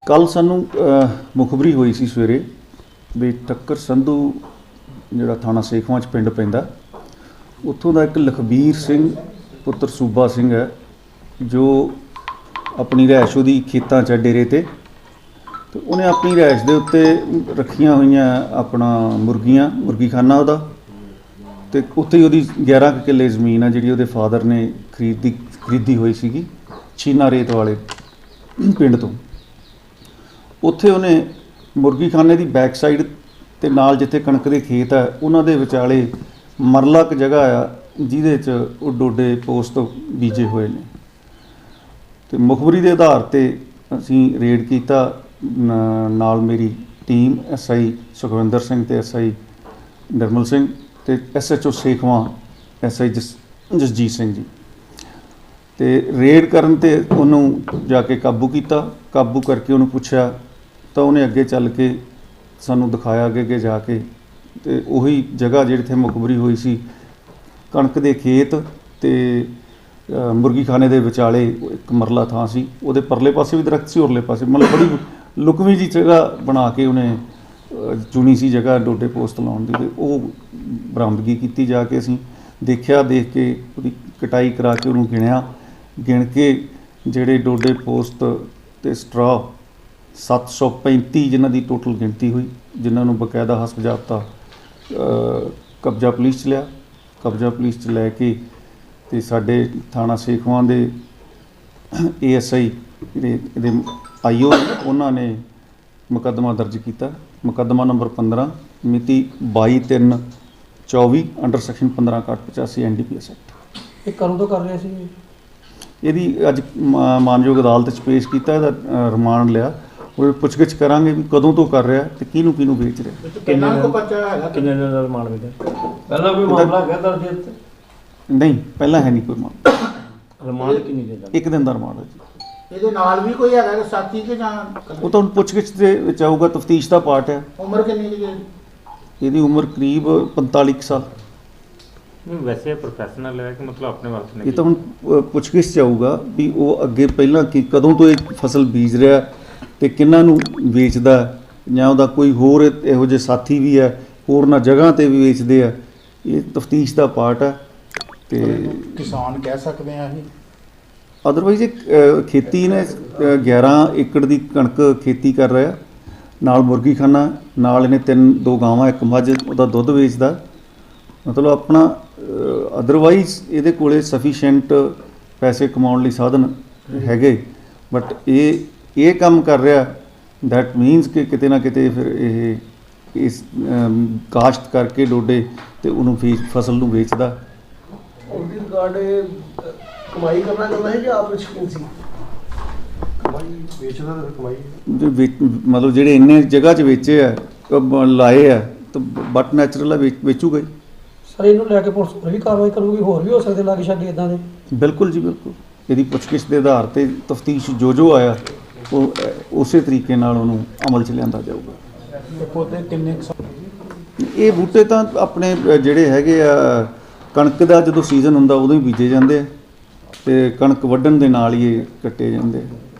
ਕੱਲ ਸਾਨੂੰ ਮੁਖਬਰੀ ਹੋਈ ਸੀ ਸਵੇਰੇ ਵੀ ਟੱਕਰ ਸੰਧੂ ਜਿਹੜਾ ਥਾਣਾ ਸੇਖਵਾਂ 'ਚ ਪਿੰਡ ਪੈਂਦਾ, ਉੱਥੋਂ ਦਾ ਇੱਕ ਲਖਬੀਰ ਸਿੰਘ ਪੁੱਤਰ ਸੂਬਾ ਸਿੰਘ ਹੈ ਜੋ ਆਪਣੀ ਰਿਹਾਇਸ਼ ਉਹਦੀ ਖੇਤਾਂ 'ਚ ਡੇਰੇ 'ਤੇ ਉਹਨੇ ਆਪਣੀ ਰਿਹਾਇਸ਼ ਦੇ ਉੱਤੇ ਰੱਖੀਆਂ ਹੋਈਆਂ ਆਪਣਾ ਮੁਰਗੀਖਾਨਾ ਉਹਦਾ, ਅਤੇ ਉੱਥੇ ਹੀ ਉਹਦੀ 11 ਕਿੱਲੇ ਜ਼ਮੀਨ ਆ ਜਿਹੜੀ ਉਹਦੇ ਫਾਦਰ ਨੇ ਖਰੀਦੀ ਹੋਈ ਸੀਗੀ ਛੀਨਾ ਰੇਤ ਵਾਲੇ ਪਿੰਡ ਤੋਂ। ਉੱਥੇ ਉਹਨੇ ਮੁਰਗੀਖਾਨੇ ਦੀ ਬੈਕ ਸਾਈਡ ਅਤੇ ਨਾਲ ਜਿੱਥੇ ਕਣਕ ਦੇ ਖੇਤ ਹੈ ਉਹਨਾਂ ਦੇ ਵਿਚਾਲੇ ਮਰਲਾ ਕੁ ਜਗ੍ਹਾ ਆ ਜਿਹਦੇ 'ਚ ਉਹ ਡੋਡੇ ਪੋਸਤ ਬੀਜੇ ਹੋਏ ਨੇ। ਅਤੇ ਮੁਖਬਰੀ ਦੇ ਆਧਾਰ 'ਤੇ ਅਸੀਂ ਰੇਡ ਕੀਤਾ, ਨਾਲ ਮੇਰੀ ਟੀਮ SI ਸੁਖਵਿੰਦਰ ਸਿੰਘ ਅਤੇ SI ਨਿਰਮਲ ਸਿੰਘ ਅਤੇ SHO ਸੇਖਵਾਂ SI ਜਸਜੀਤ ਸਿੰਘ ਜੀ। ਅਤੇ ਰੇਡ ਕਰਨ 'ਤੇ ਉਹਨੂੰ ਜਾ ਕੇ ਕਾਬੂ ਕੀਤਾ। ਕਾਬੂ ਕਰਕੇ ਉਹਨੂੰ ਪੁੱਛਿਆ ਤਾਂ ਉਹਨੇ ਅੱਗੇ ਚੱਲ ਕੇ ਸਾਨੂੰ ਦਿਖਾਇਆ ਅੱਗੇ ਜਾ ਕੇ, ਅਤੇ ਉਹੀ ਜਗ੍ਹਾ ਜਿੱਥੇ ਮੁਖਬਰੀ ਹੋਈ ਸੀ ਕਣਕ ਦੇ ਖੇਤ ਅਤੇ ਮੁਰਗੀਖਾਨੇ ਦੇ ਵਿਚਾਲੇ ਇੱਕ ਮਰਲਾ ਥਾਂ ਸੀ, ਉਹਦੇ ਪਰਲੇ ਪਾਸੇ ਵੀ ਦਰਖਤ ਸੀ, ਉਰਲੇ ਪਾਸੇ ਮਤਲਬ ਬੜੀ ਲੁਕਵੀਂ ਜਿਹੀ ਜਗ੍ਹਾ ਬਣਾ ਕੇ ਉਹਨੇ ਚੁਣੀ ਸੀ ਜਗ੍ਹਾ ਡੋਡੇ ਪੋਸਟ ਲਾਉਣ ਦੀ। ਅਤੇ ਉਹ ਬਰਾਮਦਗੀ ਕੀਤੀ ਜਾ ਕੇ ਅਸੀਂ ਦੇਖਿਆ, ਦੇਖ ਕੇ ਉਹਦੀ ਕਟਾਈ ਕਰਾ ਕੇ ਉਹਨੂੰ ਗਿਣ ਕੇ ਜਿਹੜੇ ਡੋਡੇ ਪੋਸਟ ਅਤੇ ਸਟਰਾ 735 ਜਿਨ੍ਹਾਂ ਦੀ ਟੋਟਲ ਗਿਣਤੀ ਹੋਈ, ਜਿਨ੍ਹਾਂ ਨੂੰ ਬਕਾਇਦਾ ਹਸਬ ਜ਼ਾਬਤਾ ਕਬਜ਼ਾ ਪੁਲਿਸ 'ਚ ਲਿਆ। ਕਬਜ਼ਾ ਪੁਲਿਸ 'ਚ ਲੈ ਕੇ ਅਤੇ ਸਾਡੇ ਥਾਣਾ ਸੇਖਵਾਂ ਦੇ ASI ਜਿਹੜੇ ਇਹਦੇ IO ਉਹਨਾਂ ਨੇ ਮੁਕੱਦਮਾ ਦਰਜ ਕੀਤਾ, ਮੁਕੱਦਮਾ ਨੰਬਰ 15 ਮਿਤੀ 22/3/24 ਅੰਡਰ ਸੈਕਸ਼ਨ 15/85 NDPS ਐਕਟ। ਇਹ ਕਦੋਂ ਤੋਂ ਕਰ ਰਿਹਾ ਸੀ? ਇਹਦੀ ਅੱਜ ਮਾਨਯੋਗ ਅਦਾਲਤ 'ਚ ਪੇਸ਼ ਕੀਤਾ, ਇਹਦਾ ਰਿਮਾਂਡ ਲਿਆ। ਉਹ ਪੁੱਛਗਿੱਛ ਕਰਾਂਗੇ ਵੀ ਕਦੋਂ ਤੋਂ ਕਰ ਰਿਹਾ ਅਤੇ ਕਿਹਨੂੰ ਵੇਚ ਰਿਹਾ। ਕਿੰਨੇ ਦਿਨ ਦਾ ਰਿਮਾਂਡ ਮਿਲਿਆ? ਪਹਿਲਾਂ ਕੋਈ ਮਾਮਲਾ ਹੈਗਾ ਦਰਜ ਇੱਥੇ? ਨਹੀਂ, ਪਹਿਲਾਂ ਹੈ ਨਹੀਂ ਕੋਈ ਮਾਮਲਾ। ਰਿਮਾਂਡ ਕਿੰਨੀ ਦਿਨ ਦਾ? 1 ਦਿਨ ਦਾ ਰਿਮਾਂਡ ਹੈ ਜੀ। ਇਹਦੇ ਨਾਲ ਵੀ ਕੋਈ ਹੈਗਾ ਸਾਥੀ ਕਿ ਜਾਂ? ਉਹ ਤਾਂ ਹੁਣ ਪੁੱਛਗਿੱਛ ਦੇ ਵਿੱਚ ਆਊਗਾ, ਤਫਤੀਸ਼ ਦਾ ਪਾਰਟ ਹੈ। ਉਮਰ ਕਿੰਨੀ ਦੀ ਹੈ? ਇਹਦੀ ਉਮਰ ਕਰੀਬ 45 ਸਾਲ। ਵੈਸੇ ਪ੍ਰੋਫੈਸ਼ਨਲ ਹੈ ਕਿ ਮਤਲਬ ਆਪਣੇ ਵਾਸਤੇ? ਇਹ ਤਾਂ ਹੁਣ ਪੁੱਛਗਿੱਛ 'ਚ ਆਊਗਾ ਵੀ ਉਹ ਅੱਗੇ ਪਹਿਲਾਂ ਕਦੋਂ ਤੋਂ ਇਹ ਫਸਲ ਬੀਜ ਰਿਹਾ ਅਤੇ ਕਿਹਨਾਂ ਨੂੰ ਵੇਚਦਾ, ਜਾਂ ਉਹਦਾ ਕੋਈ ਹੋਰ ਇਹੋ ਜਿਹੇ ਸਾਥੀ ਵੀ ਹੈ ਹੋਰਨਾਂ ਜਗ੍ਹਾ 'ਤੇ ਵੀ ਵੇਚਦੇ ਆ। ਇਹ ਤਫਤੀਸ਼ ਦਾ ਪਾਰਟ ਹੈ। ਅਤੇ ਕਿਸਾਨ ਕਹਿ ਸਕਦੇ ਆ ਇਹ? ਅਦਰਵਾਈਜ਼ ਇਹ ਖੇਤੀ ਨੇ 11 ਏਕੜ ਦੀ ਕਣਕ ਖੇਤੀ ਕਰ ਰਿਹਾ, ਨਾਲ ਮੁਰਗੀਖਾਨਾ, ਨਾਲ ਇਹਨੇ 2 ਗਾਵਾਂ, 1 ਮੱਝ, ਉਹਦਾ ਦੁੱਧ ਵੇਚਦਾ। ਮਤਲਬ ਆਪਣਾ ਅਦਰਵਾਈਜ਼ ਇਹਦੇ ਕੋਲ ਸਫੀਸ਼ੀਐਂਟ ਪੈਸੇ ਕਮਾਉਣ ਲਈ ਸਾਧਨ ਹੈਗੇ, ਬਟ ਇਹ ਕੰਮ ਕਰ ਰਿਹਾ, ਦੈਟ ਮੀਨਸ ਕਿ ਕਿਤੇ ਨਾ ਕਿਤੇ ਫਿਰ ਇਹ ਇਸ ਕਾਸ਼ਤ ਕਰਕੇ ਡੋਡੇ ਅਤੇ ਉਹਨੂੰ ਫਸਲ ਨੂੰ ਵੇਚਦਾ। ਉਹਦੀ ਰਿਗਾਰਡ ਕਮਾਈ ਕਰਨਾ ਚਾਹੁੰਦਾ ਹੈ ਜਾਂ ਆਪ ਸ਼ੌਕੀਨ ਸੀ? ਕਮਾਈ ਵੇਚਦਾ ਤਾਂ ਕਮਾਈ ਮਤਲਬ ਜਿਹੜੇ ਇੰਨੇ ਜਗ੍ਹਾ 'ਚ ਵੇਚੇ ਆ, ਲਾਏ ਆ, ਤਾਂ ਬਟ ਨੈਚੁਰਲ ਆ, ਵੇਚੂਗਾ ਹੀ। ਸਰ ਇਹਨੂੰ ਲੈ ਕੇ ਪੁਲਿਸ ਹੋਰ ਵੀ ਕਾਰਵਾਈ ਕਰੂਗੀ? ਹੋਰ ਵੀ ਹੋ ਸਕਦੇ ਲਾਗੇ ਛਾਗੇ ਇੱਦਾਂ ਦੇ? ਬਿਲਕੁਲ ਜੀ, ਬਿਲਕੁਲ। ਇਹਦੀ ਪੁੱਛਗਿੱਛ ਦੇ ਆਧਾਰ 'ਤੇ ਤਫਤੀਸ਼ ਜੋ ਆਇਆ ਉਹ ਉਸੇ ਤਰੀਕੇ ਨਾਲ ਉਹਨੂੰ ਅਮਲ 'ਚ ਲਿਆਂਦਾ ਜਾਊਗਾ। ਪੌਦੇ ਕਿੰਨੇ? ਇਹ ਬੂਟੇ ਤਾਂ ਆਪਣੇ ਜਿਹੜੇ ਹੈਗੇ ਆ ਕਣਕ ਦਾ ਜਦੋਂ ਸੀਜ਼ਨ ਹੁੰਦਾ ਉਦੋਂ ਹੀ ਬੀਜੇ ਜਾਂਦੇ ਆ, ਅਤੇ ਕਣਕ ਵੱਢਣ ਦੇ ਨਾਲ ਹੀ ਇਹ ਕੱਟੇ ਜਾਂਦੇ ਆ।